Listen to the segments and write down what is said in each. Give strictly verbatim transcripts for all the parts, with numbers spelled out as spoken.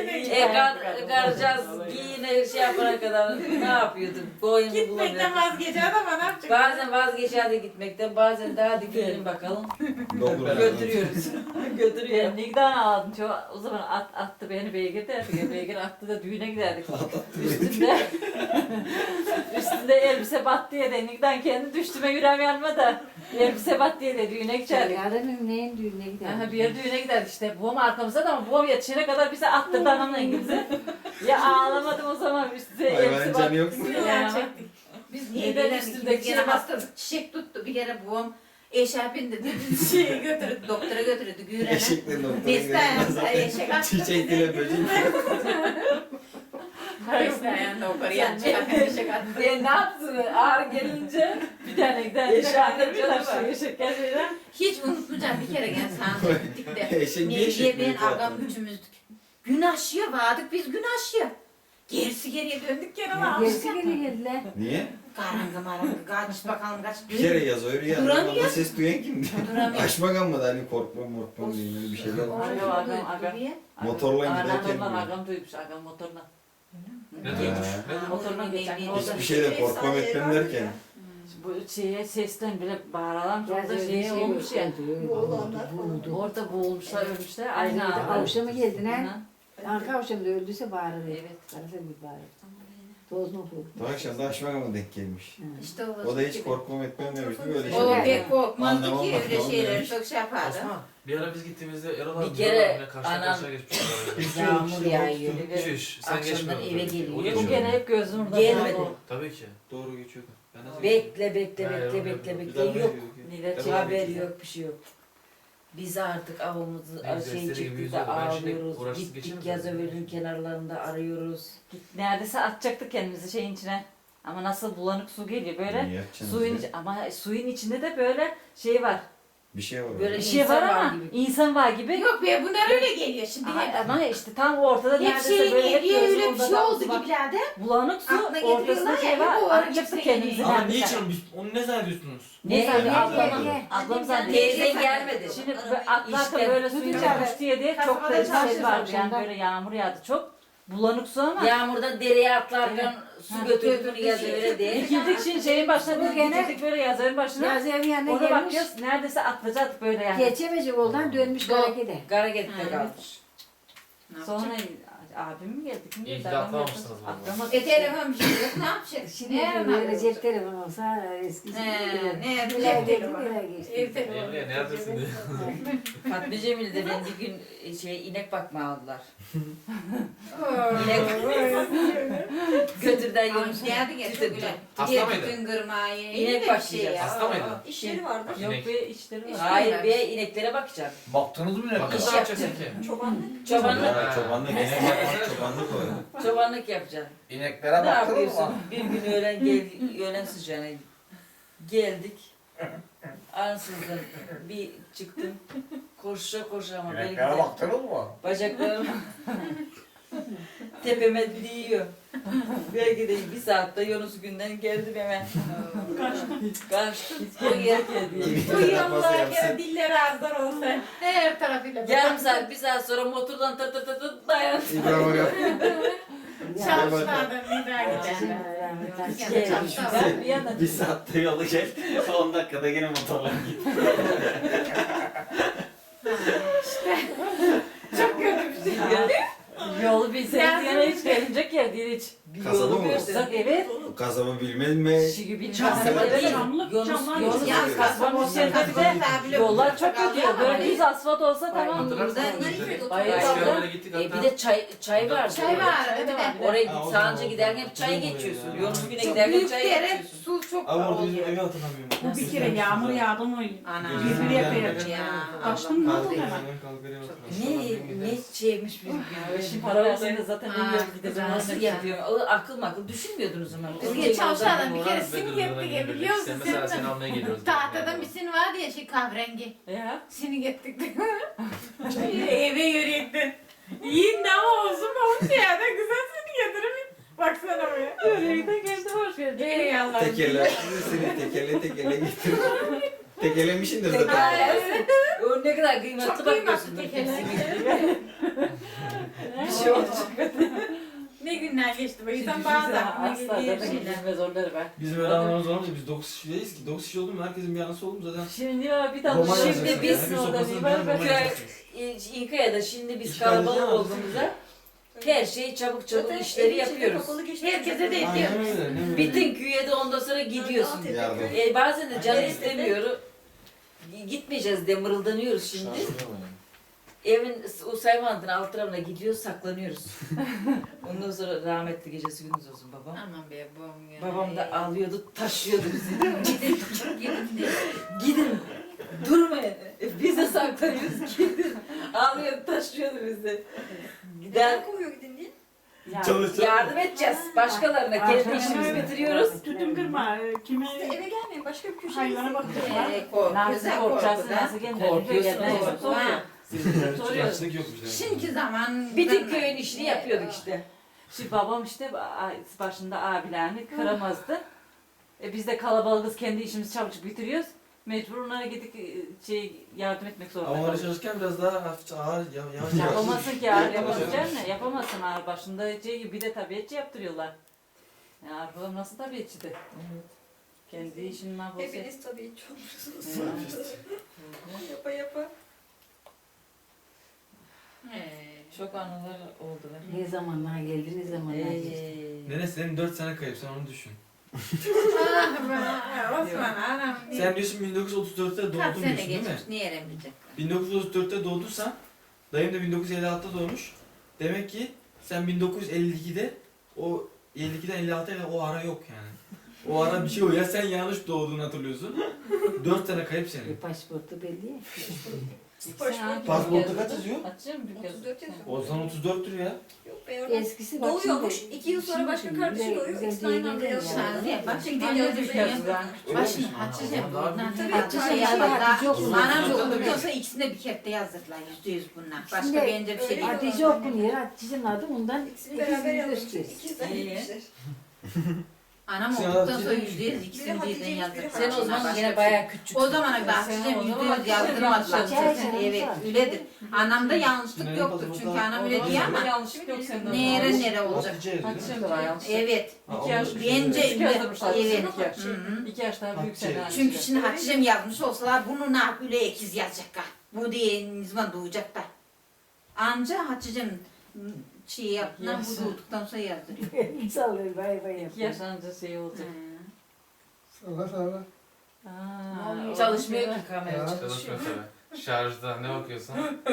E kar, karacağız giyine şey yapana kadar ne yapıyorduk? Boyunu Gitmekten bulamıyorduk. vazgeçer ama ne yapacak? Bazen vazgeçerdi gitmekten, bazen de hadi gidelim bakalım. Götürüyoruz. Götürüyor. Ben Nigdan aldım. Çok, o zaman at, attı beni beygir derdik. Beygir attı da düğüne giderdik. Üstünde üstünde elbise battı diye de Nigdan kendi düştüme yüreğim yanma da elbise battı diye de düğüne giderdik. Yarın neyin düğününe Aha, gidelim? bir yere düğüne giderdik işte. Babam arkamızda da ama babam yetişene kadar bize attırdı anamla İngilizce. Ya ağlamadım o zaman üstüne elbise Hayvanın battı. canı yok mu? Ya. Biz Neden neden üstündeki üstündeki şey gene bastı? hasta çiçek tuttu. Bir kere babam eşarpin dedi. Şeyi götürdü. Doktora götürdü. Güğren'e. Eşekle doktora Beste ayağında gidiyor. eşek attı. Çiçek ile böcek. Beste ayağında o karıya eşek attı. E ne yaptın? Ağır gelince bir tane gider. Yaşandı bir canı tane var. yaşak gelmeden. Hiç unutmayacağım bir kere gene sahneye gittik de. Eşek niye Nevriye eşek ben büyük ağam zaten? üçümüzdük. Gün aşıya vardık biz gün aşıya. Gerisi geriye döndük gene var. Gerisi geri geldiler. Niye? Karanga maranga kaç bakalım kaç. Bir kere yaz öyle ya. Duramıyor. Orada ses duyan kimdi? Duramıyor. Aşmagan mı da hani korkma morkma diye böyle bir şeyler var. Ay, Çok agam, büyük agam. duruyor. Motorla giderken Agam mi? agam duymuş agam motorla. Ne Ha. diyormuş? Motorla geçen orada. Hiçbir şeyden korkmam etmem derken. Bu şeye sesten bile bağıran çok da Yazıyor şey şey olmuş ya. Boğulanlar Orada boğulmuşlar ölmüşler. Aynı Aynı anda. avuşa mı geldin ha? Hı. Arka avuşa da öldüyse bağırır. Evet. Karafer gibi bağırır. Toz mu bu? Bu akşam da Aşmagan'a denk gelmiş. İşte o. O da hiç korkmam etmem demişti böyle O şeyler. pek korkmazdı Anlamam ki bak, öyle tamam şeyleri demiş. çok şey yapardı. Osman, bir ara biz gittiğimizde Erol abi Bir kere karşı anam- karşıya geçmiş. Yağmur yağıyor ve Şiş, sen akşamdan geçmiyorsun. eve O geliyor. Bu geçiyor. gene hep gözüm orada. Gelmedi. kaldı. Tabii ki. Doğru geçiyordu. Ben nasıl Bekle bekle Ha, bekle yok, bekle yok. bekle yok. Nilay Tamam. Haber yok bir şey yok. Biz artık avımızı Biz şey desteri gibi çıktık yüzüyor. da Ben şimdi ağlıyoruz. uğraşsız Gittik geçemem Yazıver'in zaten. kenarlarında arıyoruz. Neredeyse atacaktık kendimizi şeyin içine. Ama nasıl bulanık su geliyor böyle. Ne yapacaksınız Suyun ya? iç- ama suyun içinde de böyle şey var. Bir şey var. Böyle orada. Bir şey İnsan var var ama gibi. insan var gibi. Yok be bunlar öyle geliyor şimdi. Ama, Hep, ama işte tam ortada hep neredeyse şey böyle hep niye gözüm öyle bir orada şey da oldu bak- gibilerde. Bulanık su Aklına getiriyorlar ortasında ya, şey hep var. o ara Atacaktık gitse kendimizi geliyor. Ama neredeyse. niçin? Biz onu ne zannediyorsunuz? Ne Ne? zannediyor Ne? ablam? Ne? Ablam zannediyor. Teyzen gelmedi. Şimdi böyle atlarken İşte. böyle suyun çıkmış diye diye çok Kasabada da ses çalışıyoruz vardı. Yani akşamdan. böyle yağmur yağdı çok. Bulanık su ama. Yağmurdan dereye atlarken su Ha, götürdüğünü Yazıver'e diye. Dikildik şimdi şeyin başına, Bu gene- dikildik böyle yazarın başına. Yazıyorum yanına Ona gelmiş. bakıyoruz neredeyse atlayacaktık böyle yani. Geçemeyecek oldan dönmüş Doğru. harekete. Garaget'te Ha, kalmış. Sonra abim mi geldi? Kim İyi geldi? ki Adam atlamamışsınız geldi. vallahi. Atlamadık. E telefon bir şey yok ne yapacak? Şimdi Ne böyle yaramaz cep olacak? telefon olsa eskisi He, gibi. ne Bir cep ay geçti, telefonu. bir ay geçti. Ev telefonu. Emre neredesin diye. Fatma Cemil'de ben bir gün şey inek bakma aldılar. Oo. Götürden Ay, yolmuş. nerede geçiyor bile? Hasta Diye mıydı? bütün kırmayı. İnek İyi de bir başlayacağız. şey ya. Hasta mıydı? İş yeri vardı. Yok İnek. be işleri var. Hayır be ineklere bakacak. Baktınız mı ne? Bakın İş ne yapacaksın ki? Çobanlık, Ya, çobanlık gene yapmak çobanlık o. çobanlık yapacaksın. İneklere Ne baktınız yapıyorsun? mı? Bir gün öğlen gel, öğlen sıcağına geldik. Ansızın bir çıktım. Koşa koşa ama belki İneklere de baktınız mı? bacaklarım tepeme değiyor. Belki de bir saatte Yunus günden geldim hemen. Kaçtım. O yer geldi. Uyuyanlar gene dilleri ağızlar olsa. Her tarafıyla. Yarım saat, bir saat sonra motordan tır tır tır tır dayan. İbrahim yap. Çalışmadan bir daha giderler. Gel. Ben bir yana Bir saatte yolu gel. on dakikada yine motorla git. Çok kötü bir şey. yolu bilseniz Yani- yine hiç gelinecek yer değil hiç. Bir Kasaba yolu mı? görsün. Bak evet. Kasaba bilmez mi? Şigi bin Kasaba kasaba değil. Yunus, Yunus Ya kasaba kasaba bir şey de yollar çok kötü. Böyle düz asfalt olsa tamam. Hatırlarsın Buradan mı? nereye Biz Hayır, Eskiden abla. böyle gittik E, hatta. bir de çay çay var. Çay var. Evet. Oraya Ha, o sağınca zaman giderken oldu. hep çay geçiyorsun. Yunus güne Çok giderken büyük çay dere, geçiyorsun. su çok Abi orada bizim oluyor. evi hatırlamıyorum. Bu bir kere yağmur yağdı mı? Ana. Birbirine yapıyor. Ya. Kaçtın mı oldu hemen? Ne ne şeymiş biz Şimdi bizim para verseniz zaten Ha, milyon gideceğim. nasıl yapıyor? O akıl makıl düşünmüyordunuz ama. Biz Onun geç için o çalışanlar zaman bir kere sinik ettik ya biliyor musun? Sen mesela seni almaya geliyoruz. Tahtadan bir sin vardı ya şey kahverengi. Ya. Sinik ettik. Eve yürüyektin. Yiyin de ama olsun mu olsun ya da güzel sinik getirin. Baksana be. Öyle de geldi hoş geldin. Ey Allah'ım. Tekerler seni tekerle tekerle getir. Tekelemişindir zaten. Tekerlersin. O ne kadar kıymetli Çok bakıyorsun. kıymetli tekerler. şey olacak. Ne günler geçti be. İnsan Şimdi bazı bize aklına asla geliyor zaten şeyler. gidilmez oraları ben. Bizim öyle anlamamız olmaz ya, biz dokuz kişiyiz ki. dokuz kişi oldu mu herkesin bir anısı oldu mu zaten. Şimdi ya bir tane Roman şimdi yazacaksın biz yani. Bir orada sopasını bir var bir bak. roman Köy, yazacaksın. e, İnkaya'da şimdi biz İki kalabalık kardeş ya, olduğumuzda her şeyi çabuk çabuk işleri yapıyoruz. Herkese de ediyor. Aynen öyle. Ne böyle? Bütün köye de ondan sonra gidiyorsun. Yardım. E, bazen de canı istemiyor. Gitmeyeceğiz diye mırıldanıyoruz şimdi. Evin o sayfanın alt tarafına gidiyoruz, saklanıyoruz. Ondan sonra rahmetli gecesi gündüz olsun babam. Aman be babam ya. Babam da ağlıyordu, taşıyordu bizi. Gidin, gidin, gidin. Gidin, durmayın. E, biz de saklanıyoruz, gidin. Ağlıyordu, taşıyordu bizi. Gider, kovuyor gidin diye? Çalışacağız. yardım edeceğiz başkalarına. Kendi işimizi bitiriyoruz. Tütün kırma. e, Kime Siz de eve gelmeyin başka bir köşeye hayvana bakıyorlar. Ee, korkuyor, Nasıl sen korkacaksın, korkuyor. nasıl kendini Korkuyorsun görüyorsun, oğlum. soruyor. Soruyor. Açlık yok bizde. Şimdiki zaman... Bütün köyün işini yapıyorduk işte. Şimdi babam işte a- başında abilerini kıramazdı. E biz de kalabalığız, kendi işimizi çabucak bitiriyoruz. Mecbur onlara gidip e, şey yardım etmek zorunda Ama onları kalıyoruz. çalışırken biraz daha hafifçe ağır, yav- yavaş yavaş. Yapamazsın ki ağır yapabileceksin mi? Yapamazsın ağır başında şey gibi bir de tabiatçı yaptırıyorlar. Ya ağır babam nasıl tabiatçıydı? Kendi işinin mahvolsa. Hepiniz tabii hiç olmuşsunuz. Evet. Yapa yapa. Ee, Çok anılar oldu be. Ne zamanlar geldi, ne zamanlar geçti. Ee, Nene senin dört sene kayıp, sen onu düşün. ah be, Osman anam. Sen diyorsun bin dokuz yüz otuz dörtte Kaç doğdun sene diyorsun değil mi? geçmiş, niye öğrenmeyecekler? bin dokuz yüz otuz dörtte doğduysan, dayım da bin dokuz yüz elli altıda doğmuş. Demek ki sen bin dokuz yüz elli ikide, o elli ikiden elli altıya kadar o ara yok yani. O ara bir şey oluyor. Ya sen yanlış doğduğunu hatırlıyorsun. dört sene kayıp E, senin. pasaportu belli ya. Pasaportu- Pasaportu kaç yazıyor? Açayım bir kez. otuz dört yazıyor. O zaman otuz dörttür ya. Yok be oradan. Eskisi bak Doğuyormuş. şimdi- iki yıl sonra başka şimdi kardeşi güzel- doğuyor. güzel İkisini aynı diye anda geliyor yazıyorlar. yani. Niye? Bak şimdi Anne yazıyor. bir kez daha. Öyle Bak şimdi mi? Hatice Anam, buradan. tabii, Hatice tabii. yazdılar. Hatice okumuş. Anam Hatice okumuş. okuyorsa ikisine bir kere de yazdırdılar. Yüzde yüz bunlar. Başka Şimdi- bence bir şey Öyle değil. Hatice okunuyor. Hatice'nin adı ondan İkisini ikisini beraber yazmışlar. gösteriyor. İkizler İyi. gitmişler. Anam Sen okuduktan Hatice sonra değil yüzde yüz Biri ikisini birden Hatice'ymiş, yazdırdılar. biri sen o zaman Başka yine bir bayağı küçük. O zaman kadar Sen Hatice'm o yüzde zaman yüz yazdırmadılar. yanlış Sen- Evet öyledir. Anamda yanlışlık Senin yoktur pasaportun çünkü daha- anam öyle diyor ama yanlışlık yok sende. nere nere olacak. Hatice yazıyor. Hatice de var yanlış. Evet. Ha, İki yaş onu- Bence İki yazdırmışlar. evet. İki yaş. Hı hı. İki yaş daha büyük Hatice. senden. Çünkü şimdi Hatice'm yazmış olsalar bunu ne yap öyle ekiz yazacaklar. Bu diye ne zaman doğacaklar. Anca Hatice'm şey yaptılar Yazsın. bu doğduktan sonra yazdırıyor. Elini sallıyor, bay bay İki yapıyor. yaş anca şey olacak. Salla salla. Aa, Çalışmıyor ki Ha. kamera Çalış çalışıyor. mesela. Şarjda ne bakıyorsun?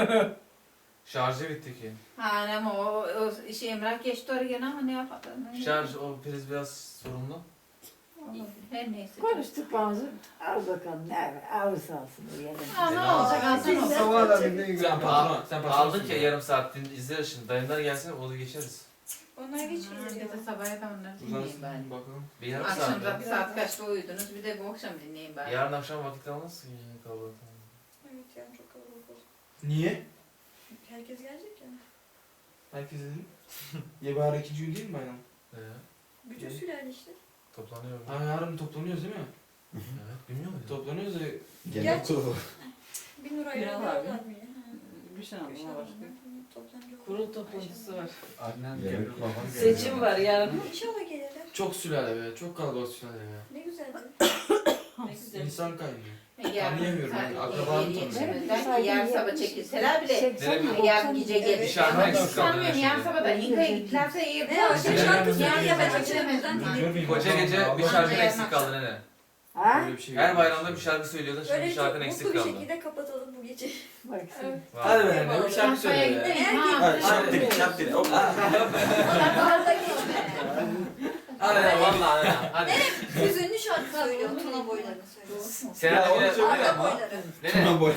Şarjı bitti ki. Ha ama o, o şey Emrah geçti oraya gene ama ne yapalım. Şarj o priz biraz sorunlu. Her neyse. Konuştuk bazı. Al bakalım ne var? Alırsa alsın. Ha ne olacak alsana olsun. Salla da bir ne Sen patron, sen patron. Aldık ya yarım saat din- izleriz şimdi. Dayımlar gelsin onu geçeriz. Onlar geçiyor. Gece sabah da onları Uzansın dinleyin bari. bakalım. Bir yarım Akşam saat. da ya. bir saat kaçta uyudunuz bir de bu akşam dinleyin bari. Yarın akşam vakit almazsın yani kalabalık. Evet yani çok kalabalık oldu. Niye? Herkes gelecek ya. Herkes dedi. Ya bari ikinci gün değil mi bayram? Ee, Bütün Ne? sülale işte. toplanıyor. Ha yarın toplanıyoruz değil mi? Evet bilmiyor muydun? Toplanıyoruz ya. Gerçi- Bir nur Bir ayırıyorlar al abi. mı? Bir şey Bir şey anlamına başka. Toplanacak. Kurul toplantısı var. Annem geliyor, babam Seçim var yarın. İnşallah gelirler. Çok sülale be, çok kalabalık sülale ya. Ne güzeldi. Ne güzel. İnsan kaynıyor. Yarın Anlayamıyorum saat yani, akrabam yedi tanıyor. yetişemezler ki yarın sabah çekilseler bile. Nereye- Yarın gece gelir. Bir şarkı Ama eksik kaldı sanmıyorum yarın şimdi. sabah da İnka'ya gittilerse iyi. Ne o şey Yarın şarkı gece- söylüyor ya ben Yarın açılamazdan gece- dinledim. Koca gece bir Allah- şarkın Yarın eksik akşam. kaldı nene. Ha? Böyle bir şey Her yok. bayramda bir şarkı söylüyordun şimdi Böyle bir çok şarkın mutlu eksik bir kaldı. şekilde kapatalım bu gece. Bak sen. Hadi be nene, bir şarkı söyle Kafaya be. gidelim. Hadi, Ha. şarkı Şaptiri, şaptiri. Hop. Arada geçme. Hadi nene vallahi nene hadi. Hüzünlü şarkı söylüyor. Tuna boylarını söylüyor. Sen Ya, de onu yine söyle Arka ama. boyları. nene. Tuna boy.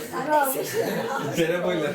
Sere boylar.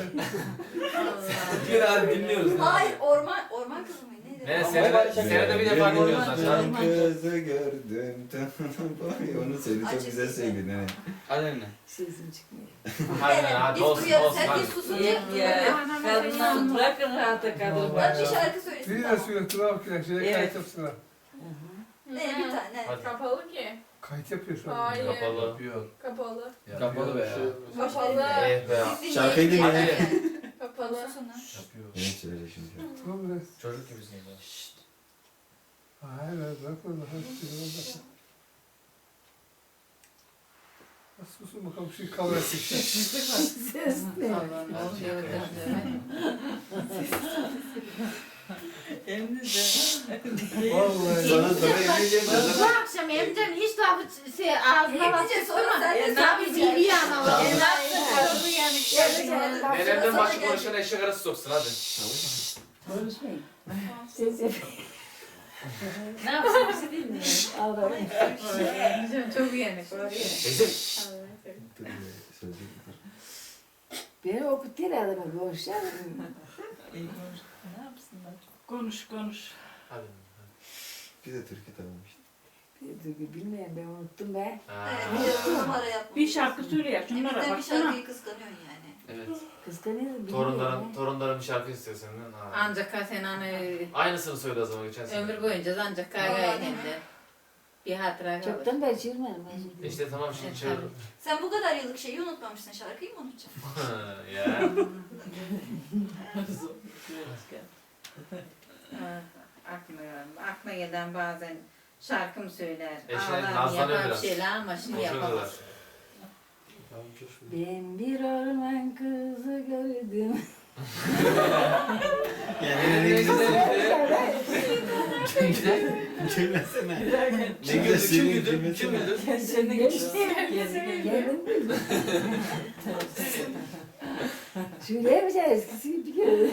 Bir hadi dinliyoruz. nene. Hayır orman orman kızı mıydı? Neydi? Nene senede, senede bir defa dinliyoruz lan şarkı. Kızı gördüm. Onu söyle çok güzel söyledi nene. Hadi nene. Sesim çıkmıyor. Hadi nene Evet, hadi biz olsun duyarız. olsun Herkes hadi. susun. Yem ya. Kadınlar bırakın rahata kadın Hadi bir var. şarkı söylesin. Biri de söyle Tuna bakıyor. Şöyle Evet. kayıt yapsınlar. Ne bir tane. Hadi. Kapalı ki. Kayıt yapıyor şu an. Hayır. Kapalı. Kapalı. Kapalı be ya. Kapalı. Eh be ya. Biz Şarkıyı dinleyelim dinle. yani. Kapalı. Yapıyor. Ne söyleyecek şimdi? Tamam biraz. Çocuk gibisin ya. Hayır, bırakma daha bir Susun bakalım şu kavga etsin. Ses ne? Vallahi. Sana sana yemeyeceğim de Bu akşam Emre'm hiç daha bu şey ağzına bak. Hepince sonra sen de Ne sen yapayım biliyor ama. E, ne yapsın? Nenemden başka konuşan eşek arası soksun hadi. Konuşmayın. Ses yapayım. Ne yapsın bizi dinliyor. Ağlayın. Çok uyanık. Teyze. Beni okuttu herhalde bak. Konuşacağım. Ne yapsınlar? Konuş konuş. Hadi. Bir de Türkiye tamam işte. Bir bilmeyen ben unuttum be. Ha. Evet, bir numara yapma. Bir şarkı söyle ya şunlara Emre'den bir baksana. şarkıyı kıskanıyorsun yani. Evet. Kıskanıyorum. Torunların, torunların bir şarkı istiyor senden. Ha. Ancak sen hani Aynısını söyle o zaman geçen sene. ömür boyunca ancak kavga edildi. Bir hatıra kalır. Çoktan beri çığırmadım. İşte tamam şimdi çağır. Sen bu kadar yıllık şeyi unutmamışsın. Şarkıyı mı unutacaksın? Ya. Ha, Aklıma, aklıma gelen bazen şarkım söyler. Eşine Ağlar, nazlanıyor yapar biraz. şeyler ama şey Konuşuyorlar. yapamaz. Ben bir orman kızı gördüm. Yani ne güzel. Ne güzel. Gülmesene. Kim güldü? Kim güldü? Kim güldü? Kendine Geldim mi? Şöyle yapacağız eskisi gibi gördüm.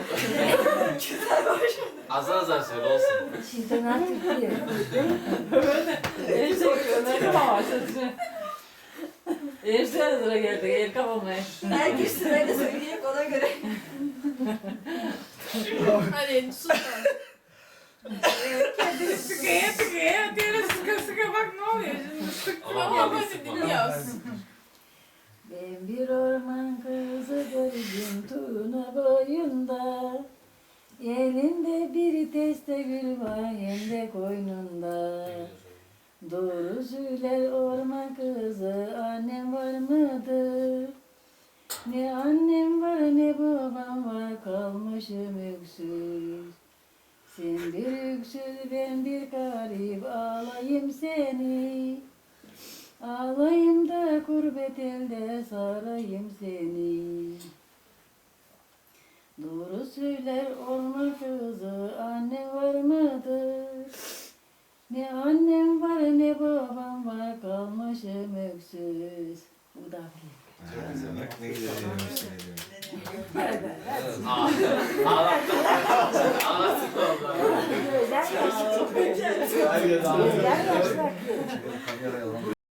Azar azar söyle olsun. Şeytan artık diyor. Eşek önerim ama sözü. Eşeğe sıra geldi. El kapamaya. Herkes sırayla söyleyecek ona göre. Hadi sus. Kendini sıkaya sıkaya diğeri sıka sıka bak ne oluyor şimdi sıktım Ama ama vallahi hadi sıkma. dinliyoruz. Ben bir orman kızı gördüm Tuna boyunda. Elinde bir teste gül var hem de koynunda. Doğru söyler orman kızı annem var mıdır? Ne annem var ne babam var kalmışım öksüz. Sen bir öksüz ben bir garip ağlayayım seni. Ağlayayım da kurbet elde sarayım seni. Doğru söyler orman kızı anne var mıdır? Ne annem var ne babam var kalmışım öksüz. Bu da Çok güzel. Bak ne güzel yemişsin ediyorum. Ağlattın. Ağlattın valla. Gözler yaşlı. Hayır, Gözler yaşlı. Kameraya alalım.